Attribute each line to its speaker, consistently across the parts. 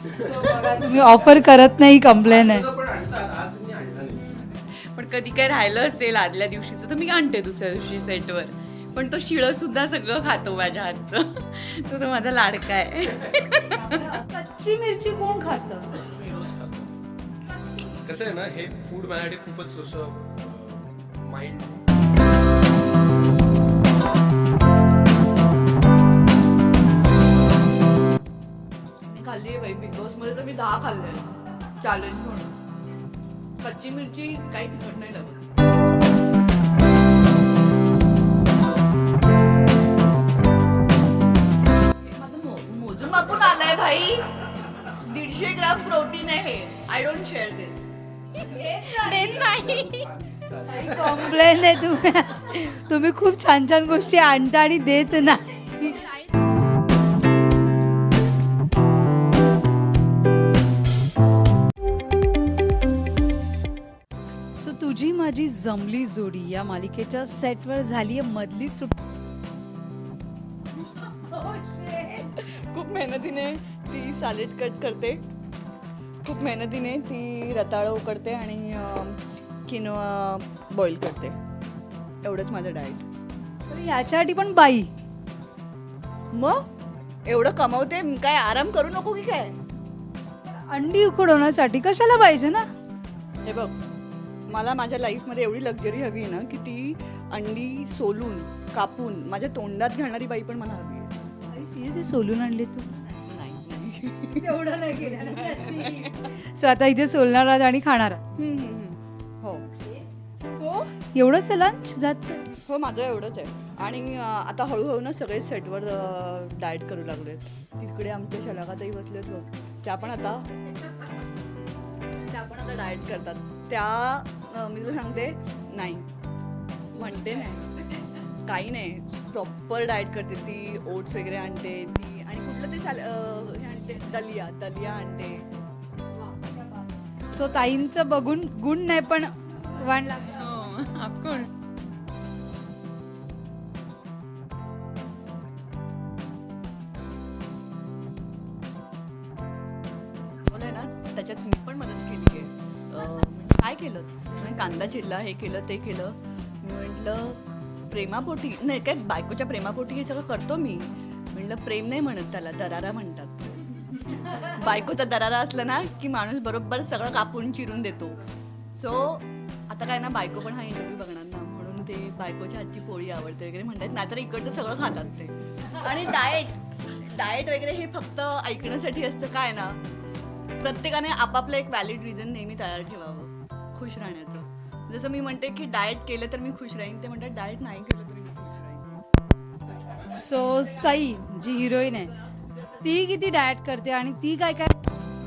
Speaker 1: बघा, तुम्ही ऑफर करत नाही, कंप्लेन आहे.
Speaker 2: पण आणतात, आज तुम्ही आणला नाही.
Speaker 3: पण कधी काय राहिलं असेल आदल्या दिवशीचं तर मी आणते दुसऱ्या दिवशी सेटवर. पण तो शिळं सुद्धा सगळं खातो माझ्या हातचं. तो माझा लाडका आहे.
Speaker 1: कच्ची मिरची कोण खातं?
Speaker 2: मी रोज खातो. कसं आहे ना, हे फूड माझ्यासाठी खूपच असं माइंड.
Speaker 4: खाल्ली आहे बाई, बिग बॉस मध्ये तर मी 10 खाल्ले चॅलेंज म्हणून. कच्ची मिरची काही तिखट नाही लागत. हे माझं मोजून मापून आलंय भाई. 150 ग्राम प्रोटीन आहे. I don't share this.
Speaker 1: Complain आहे तुम्ही खूप छान छान गोष्टी आणता आणि देत नाही. सो तुझी माझी जमली जोडी या मालिकेच्या सेटवर झाली आहे मधली सुट.
Speaker 4: खूप मेहनतीने ती सॅलेड कट करते. खूप मेहनतीने ती रताळं उकडते आणि किनोआ बॉईल करते. एवढंच माझं डाएट.
Speaker 1: तर याच्यासाठी पण बाई
Speaker 4: मग एवढं कमवते, काय आराम करू नको की काय?
Speaker 1: अंडी उकडवण्यासाठी कशाला पाहिजे ना.
Speaker 4: हे बघ, मला माझ्या लाईफमध्ये एवढी लक्झरी हवी आहे ना की ती अंडी सोलून कापून माझ्या तोंडात घालणारी बाई पण मला हवी आहे.
Speaker 1: सिरियसली सोलून आणले तू?
Speaker 4: नाही.
Speaker 1: एवढं नाही केलं. सो आता इथे सोलणार आहात आणि खाणार आहात.
Speaker 4: हो
Speaker 1: सो एवढंच लंच जायचं.
Speaker 4: हो, माझं एवढंच आहे. आणि आता हळूहळू ना सगळे सेटवर डाएट करू लागलेत. तिकडे आमच्या शलाकाताई बसलेत बघ, त्या पण आता डाएट करतात. त्या मी तुला सांगते, नाही म्हणते नाही, काही नाही, प्रॉपर डाएट करते ती. ओट्स वगैरे आणते ती. आणि कुठलं ते हे आणते, दलिया आणते.
Speaker 1: सो ताईंचं बघून गुण नाही पण वाण लागलं.
Speaker 3: ऑफकोर्स.
Speaker 4: बोलय ना, त्याच्यात मी पण मदत केली आहे. म्हणजे काय केलं, म्हणजे कांदा चिरला, हे केलं ते केलं. मी म्हटलं प्रेमापोटी नाही, काय बायकोच्या प्रेमापोटी हे सगळं करतो मी. म्हटलं प्रेम नाही म्हणत त्याला, दरारा म्हणतात. बायकोचा दरारा असला ना की माणूस बरोबर सगळं कापून चिरून देतो. सो आता काय ना, बायको पण हा इंटरव्ह्यू बघणार ना, म्हणून ते बायकोच्या हातची पोळी आवडते वगैरे म्हणतात. नाहीतर इकडचं सगळं खातात ते. आणि डाएट वगैरे हे फक्त ऐकण्यासाठी असतं. काय ना, प्रत्येकाने आपापलं एक व्हॅलिड रिझन नेहमी तयार ठेवावं खुश राहण्याचं. जसं मी म्हणते की डाएट केलं तर मी खुश राहीन, ते म्हणतात डाएट नाही केलं तरी मी खुश राहीन.
Speaker 1: सो सई जी हिरोईन आहे ती किती डाएट करते आणि ती काय काय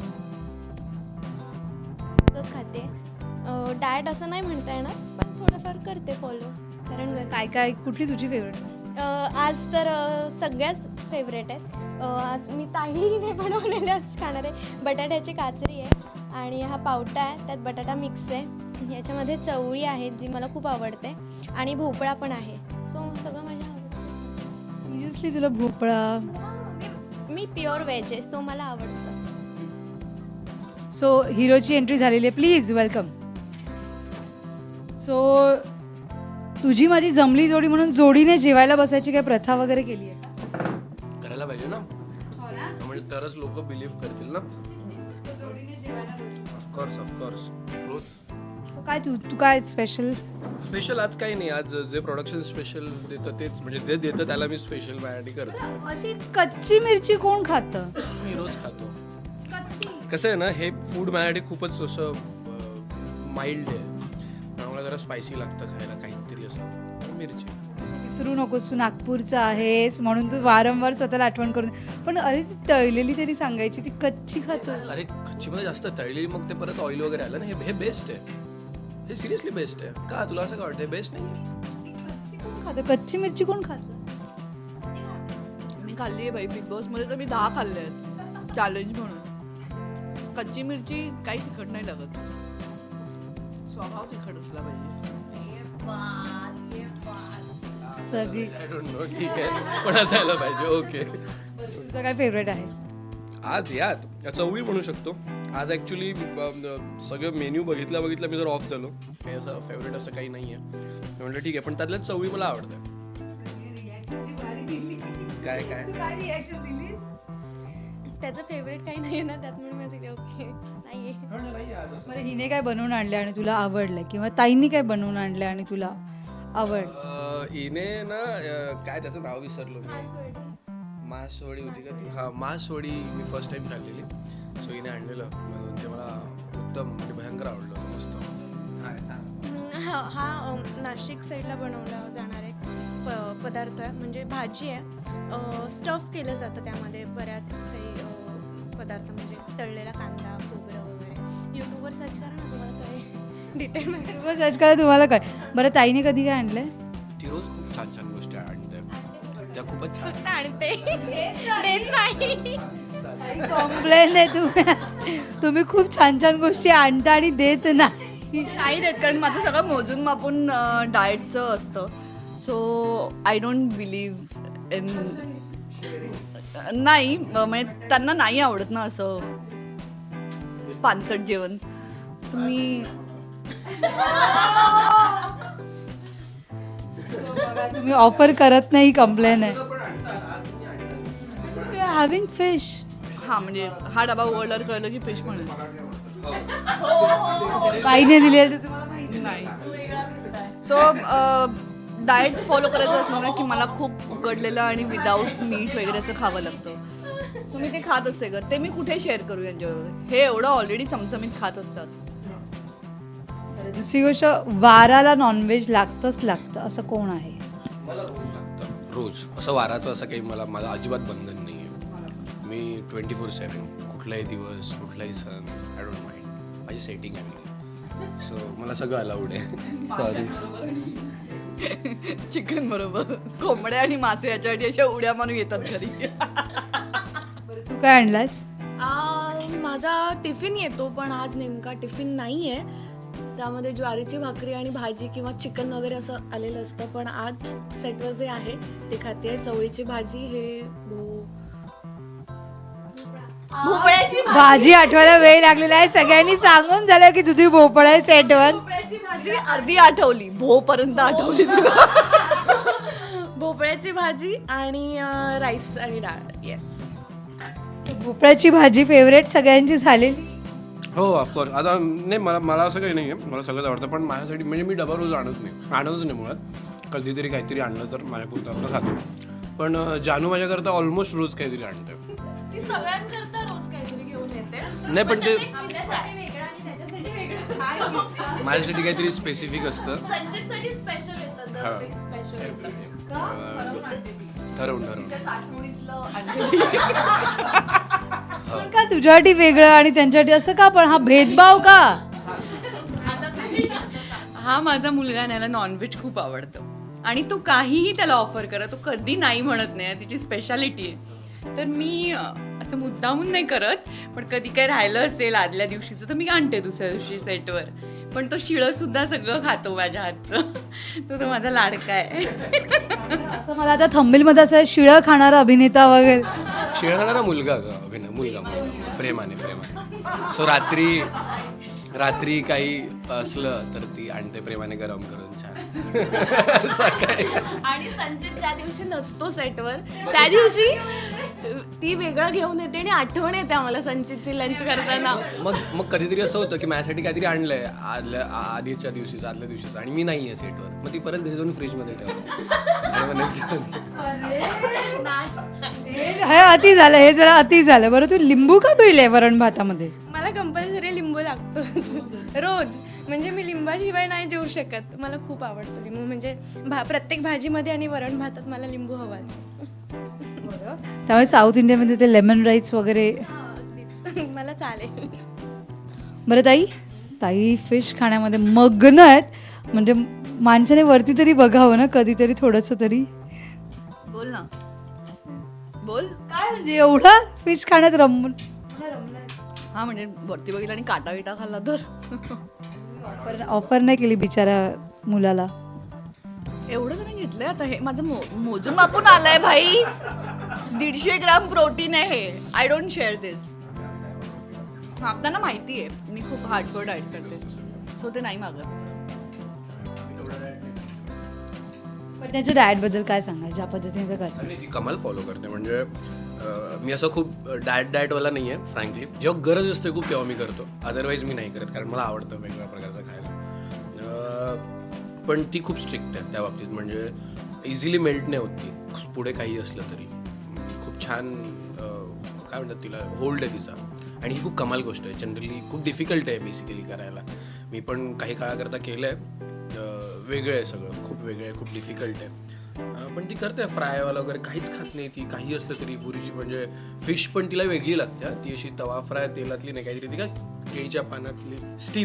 Speaker 5: तसंच खाते. डाएट असं नाही म्हणता येणार, पण थोडंफार करते फॉलो. कारण
Speaker 1: काय काय कुठली तुझी फेवरेट?
Speaker 5: आज तर सगळ्याच फेवरेट आहेत. आज मी ताईने बनवलेल्याच खाणार आहे. बटाट्याची काचरी आहे आणि हा पावटा आहे, त्यात बटाटा मिक्स आहे. याच्यामध्ये चवळी आहे जी मला खूप आवडते आणि भोपळा पण आहे. सो सगळं माझ्या आवडतं.
Speaker 1: सिरियसली तुला भोपळा?
Speaker 5: मी प्युअर व्हेज आहे, सो मला आवडतं.
Speaker 1: सो हिरोची एंट्री झालेली आहे, प्लीज वेलकम. सो तुझी माझी जमली जोडी म्हणून जोडीने जेवायला बसायची काय प्रथा वगैरे केली आहे?
Speaker 2: करायला पाहिजे ना, म्हणजे तरच लोक बिलीव्ह करतील ना. ऑफकोर्स रोज.
Speaker 1: काय तू काय स्पेशल?
Speaker 2: स्पेशल आज काही नाही. आज जे प्रोडक्शन स्पेशल देतं तेच, म्हणजे जे देतं त्याला मी स्पेशल माझ्यासाठी करतो.
Speaker 1: अशी कच्ची मिरची कोण खातं?
Speaker 2: मी रोज खातो. कसं आहे ना, हे फूड माझ्यासाठी खूपच असं माइल्ड आहे. मला जरा स्पायसी लागतं खायला काहीतरी असं. मिरची
Speaker 1: विसरू नकोस, तू नागपूरचा आहेस म्हणून तू वारंवार स्वतःला आठवण करून. पण अरे ती तळलेली तरी सांगायची, ती कच्ची खातो.
Speaker 2: अरे कच्चीमध्ये जास्त तळलेली, मग ते परत ऑइल वगैरे आलं ना. हे बेस्ट आहे, हे सिरियसली बेस्ट आहे. का तुला असं काय वाटतं? बेस्ट नाही?
Speaker 1: कच्ची कोण खातं? कच्ची मिरची कोण खातं?
Speaker 4: मी खाल्ली आहे बाई, बिग बॉस मध्ये तर मी 10 खाल्ले आहेत चॅलेंज म्हणून. कच्ची मिरची काही तिखट नाही लागत. स्वभाव तिखट असला पाहिजे.
Speaker 1: सगळी
Speaker 2: आय डोंट नो, ठीक आहे, पण असायला पाहिजे. ओके.
Speaker 1: तुझं काय फेवरेट आहे?
Speaker 2: आज यात चवळी म्हणू शकतो. आज ॲक्च्युली सगळं मेन्यू बघितल्या मी जर ऑफ झालो, काही असं फेवरेट असं काही नाही आहे. मी म्हटलं ठीक आहे, पण त्यातल्या चवळी मला आवडतं. काय
Speaker 5: त्याचं फेवरेट काही नाही आहे ना त्यात, म्हणून माझं ओके नाही आहे.
Speaker 1: बरं, हिने काय बनवून आणलं आणि तुला आवडलं, किंवा ताईंनी काय बनवून आणलं आणि तुला आवडलं?
Speaker 2: हिने ना काय त्याचं नाव विसरलो मी. मासवडी होती का ती? हां, मासवडी मी फर्स्ट टाइम खाल्लेली. सो हिने आणलेलं म्हणून ते मला उत्तम म्हणजे भयंकर आवडलं होतं. मस्त.
Speaker 5: हा नाशिक साईडला बनवला जाणारा एक पदार्थ आहे, म्हणजे भाजी आहे, स्टफ केलं जातं त्यामध्ये बऱ्याच काही पदार्थ, म्हणजे तळलेला कांदा, खोबरं वगैरे. यूट्यूबवर सर्च करा ना, तुम्हाला काय डिटेल माहिती.
Speaker 1: बस सर्च करा, तुम्हाला काय. बरं, ताईने कधी काय आणलंय?
Speaker 2: ती रोज खूप छान छान गोष्टी आणते. त्या खूपच छान.
Speaker 5: फक्त आणते, देत नाही.
Speaker 1: कॉम्प्लेन आहे तुम्ही खूप छान छान गोष्टी आणता आणि देत नाही.
Speaker 4: नाही देत, कारण माझं सगळं मोजून मापून डाएटचं असतं. So I don't believe in, नाही म्हणजे त्यांना नाही आवडत ना असं पानचट जेवण. तुम्ही
Speaker 1: बघा, तुम्ही ऑफर करत नाही, कंप्लेन आहे. Having fish.
Speaker 4: हां, म्हणजे हा डबा उघडल्यावर कळलं की फिश म्हणून
Speaker 1: बाईने दिली आहे, तर तुम्हाला माहिती
Speaker 4: नाही. सो डाएट फॉलो करायचं असलं ना की मला खूप उकडलेलं आणि विदाऊट मीठ वगैरे असं खावं लागतं. सो मी ते खात असते ग. ते मी कुठे शेअर करू यांच्याबरोबर? हे एवढं ऑलरेडी चमचमीत खात असतात.
Speaker 1: दुसरी गोष्ट, वाराला नॉनव्हेज लागतं असं कोण आहे?
Speaker 2: मला रोज लागतं. रोज असं वाराचं असं काही माझं अजिबात बंधन नाही आहे. मी 24/7 कुठलाही दिवस, कुठलाही सण, आय डोंट माइंड. माझी सेटिंग आहे. सो मला सगळं अलाउड आहे. सॉरी.
Speaker 4: चिकन बरोबर कोंबड्या आणि मासे याच्यासाठी अशा उड्या मारून येतात घरी.
Speaker 1: तू काय आणलास?
Speaker 6: माझा टिफिन येतो, पण आज नेमका टिफिन नाही आहे. त्यामध्ये ज्वारीची भाकरी आणि भाजी किंवा चिकन वगैरे असं आलेलं असतं, पण आज सेटवर जे आहे ते खाते. चवळीची भाजी, हे भोपळ्याची
Speaker 1: भाजी आठवायला वेळ लागलेला आहे. सगळ्यांनी सांगून झालं की दुधी भोपळ आहे सेटवर.
Speaker 4: भाजी अर्धी आठवली, भो पर्यंत आठवली तुला.
Speaker 6: भोपळ्याची भाजी आणि राईस आणि डाळ. येस,
Speaker 1: भोपळ्याची भाजी फेवरेट सगळ्यांची झालेली.
Speaker 2: हो, ऑफकोर्स. आता नाही, मला असं काही नाही आहे. मला सगळंच आवडतं, पण माझ्यासाठी म्हणजे मी डबा रोज आणतच नाही मुळात. कधीतरी काहीतरी आणलं तर माझ्यापुरतं आपलं खातो. पण जानू माझ्याकरता ऑलमोस्ट रोज काहीतरी आणते.
Speaker 6: ती सगळ्यांकरता रोज काहीतरी घेऊन येते.
Speaker 2: नाही, पण ते
Speaker 6: आपल्यासाठी वेगळं आणि त्याच्यासाठी वेगळं.
Speaker 2: माझ्यासाठी काहीतरी स्पेसिफिक असतं.
Speaker 6: संचितसाठी स्पेशल येतं, स्पेशल येतं.
Speaker 2: ठरवून
Speaker 1: पण का तुझ्यासाठी वेगळं आणि त्यांच्यासाठी असं का? पण हा भेदभाव का?
Speaker 3: हा माझा मुलगा याला नॉनव्हेज खूप आवडतं आणि तो काहीही त्याला ऑफर करा, तो कधी नाही म्हणत नाही. तिची स्पेशालिटी आहे. तर मी असं मुद्दामून नाही करत, पण कधी काय राहिलं असेल आदल्या दिवशीचं तर मी आणते दुसऱ्या दिवशी सेटवर. पण तो शिळं सुद्धा सगळं खातो माझ्या हातचं. तो माझा लाडका आहे.
Speaker 1: असं मला आता थंबनेलमध्ये असं शिळं खाणारा अभिनेता वगैरे.
Speaker 2: शिळ खाणारा मुलगा मुलगा प्रेमाने. सो रात्री काही असलं तर ती आणते प्रेमाने गरम करून छान सकाळी.
Speaker 6: आणि संचित ज्या दिवशी नसतो सेटवर त्या दिवशी ती वेगळं घेऊन येते आणि आठवण येते आम्हाला संचितची लंच करताना.
Speaker 2: मग कधीतरी असं होतं की माझ्यासाठी काहीतरी आणलंय आधीच्या दिवशीचं, आदल्या दिवशीचं, आणि मी नाही आहे सेटवर. मग ती परत घरी जाऊन फ्रीजमध्ये ठेवतो.
Speaker 1: हे अति झालं, हे जरा अति झालं. बरं, तू लिंबू का पिळले वरण भातामध्ये?
Speaker 5: मला कंपल्सरी लिंबू लागतोच रोज. म्हणजे मी लिंबाशिवाय नाही जेवू शकत. मला खूप आवडतं लिंबू. म्हणजे प्रत्येक भाजीमध्ये आणि वरण भातात मला लिंबू हवाच.
Speaker 1: त्यामुळे साऊथ इंडियामध्ये ते लेमन राईस वगैरे.
Speaker 5: मला चालेल.
Speaker 1: बरं ताई फिश खाण्यामध्ये मग्न आहेत. म्हणजे माणसाने वरती तरी बघावं ना कधीतरी, थोडंसं तरी.
Speaker 4: बोल ना, बोल.
Speaker 1: काय म्हणजे एवढा फिश खाण्यात रमून?
Speaker 4: हा, म्हणजे वरती बघितलं आणि काटा विटा खाल्ला तर.
Speaker 1: ऑफर नाही केली बिचारा मुलाला.
Speaker 4: एवढं त्याने घेतलंय. आता हे माझं मोजून मापून आलंय भाई. 150 ग्राम प्रोटीन आहे. I don't share this. हा त्यांना माहिती आहे मी खूप हार्डकोर डाएट करते, सो ते नाही मागत.
Speaker 1: पण त्याच्या डाएटबद्दल काय सांगाल, ज्या पद्धतीने ते करतात?
Speaker 2: आणि ती कमाल फॉलो करते. म्हणजे मी असं खूप डाएटवाला नाही आहे फ्रँकली. जेव्हा गरज असते खूप तेव्हा मी करतो, अदरवाईज मी नाही करत, कारण मला आवडतं वेगवेगळ्या प्रकारचं खायला. पण ती खूप स्ट्रिक्ट आहे त्या बाबतीत. म्हणजे इझिली मेल्ट नाही होत ती, पुढे काही असलं तरी. खूप छान काय म्हणतात तिला, होल्ड आहे तिचा. आणि ही खूप कमाल गोष्ट आहे. जनरली खूप डिफिकल्ट आहे बेसिकली करायला. मी पण काही काळाकरता केलं आहे. वेगळं आहे सगळं, खूप वेगळं आहे, खूप डिफिकल्ट आहे. पण ती करते फ्रायवाला वगैरे, काहीच खात नाही ती. काही असलं तरी पुरीची. म्हणजे फिश पण तिला वेगळी लागते. ती अशी तवा फ्राय तेलातली नाही, काहीतरी ती काय केळीच्या पानातली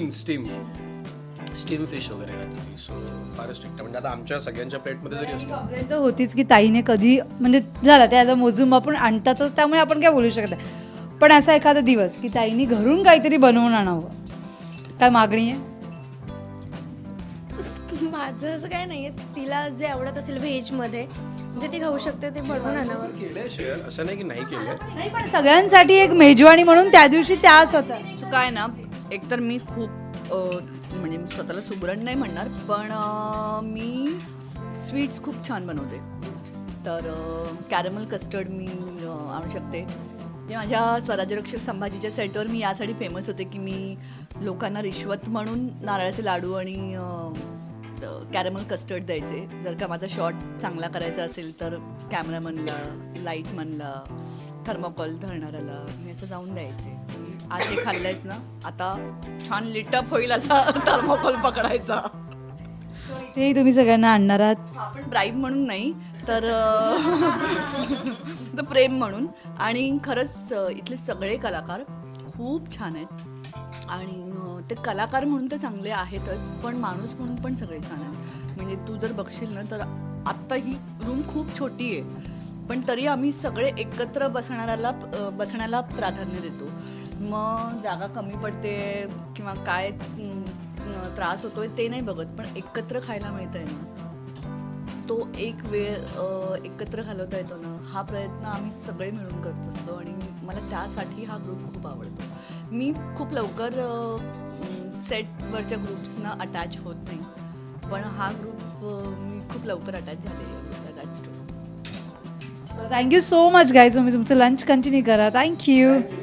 Speaker 2: स्टीम फिश वगैरे खाते ती. सो फारच स्ट्रिक्ट आहे. म्हणजे आता आमच्या सगळ्यांच्या प्लेटमध्ये जरी असलं
Speaker 1: प्रॉब्लेम तर होतीच की ताईने कधी म्हणजे झालं ते आता मोजून आपण आणतातच, त्यामुळे आपण काय बोलू शकत नाही. पण असा एखादा दिवस की ताईने घरून काहीतरी बनवून आणावं, काय मागणी आहे?
Speaker 5: माझं असं काय नाही आहे, तिला जे आवडत असेल व्हेजमध्ये जे ती खाऊ शकते ते बनवून आणावं.
Speaker 2: केलंय शेअर, असं नाही की नाही केलंय.
Speaker 1: नाही, पण सगळ्यांसाठी एक मेजवानी म्हणून त्या दिवशी त्या स्वतः.
Speaker 4: सो काय ना, एकतर मी खूप म्हणजे मी स्वतःला सुगरण नाही म्हणणार, पण मी स्वीट्स खूप छान बनवते. तर कॅरमल कस्टर्ड मी आणू शकते. जे माझ्या स्वराज्यरक्षक संभाजीच्या सेटवर मी यासाठी फेमस होते की मी लोकांना रिश्वत म्हणून नारळाचे लाडू आणि कॅरमल कस्टर्ड द्यायचे. जर का माझा शॉट चांगला करायचा असेल तर कॅमेरामनला, लाईटमनला, थर्मोकॉल धरणाऱ्याला मी असं जाऊन द्यायचे. आज हे खाल्लंयस ना, आता छान लिटअप होईल असा थर्मोकॉल पकडायचा.
Speaker 1: तेही तुम्ही सगळ्यांना आणणार आहात?
Speaker 4: आपण ब्राईब म्हणून नाही तर तर प्रेम म्हणून. आणि खरंच इथले सगळे कलाकार खूप छान आहेत. आणि ते कलाकार म्हणून तर चांगले आहेतच, पण माणूस म्हणून पण सगळे छान आहेत. म्हणजे तू जर बघशील ना तर आत्ता ही रूम खूप छोटी आहे, पण तरी आम्ही सगळे एकत्र बसण्याला प्राधान्य देतो. मग जागा कमी पडते किंवा काय त्रास होतोय ते नाही बघत, पण एकत्र खायला मिळतं आहे ना, तो एक वेळ एकत्र घालवता येतो ना, हा प्रयत्न आम्ही सगळे मिळून करत असतो. आणि मला त्यासाठी हा ग्रुप खूप आवडतो. मी खूप लवकर सेटवरच्या ग्रुप्सना अटॅच होत नाही, पण हा ग्रुप मी खूप लवकर अटॅच झाले. That's true.
Speaker 1: Thank you so much guys. तुम्ही तुमचं लंच कंटिन्यू करा. थँक्यू.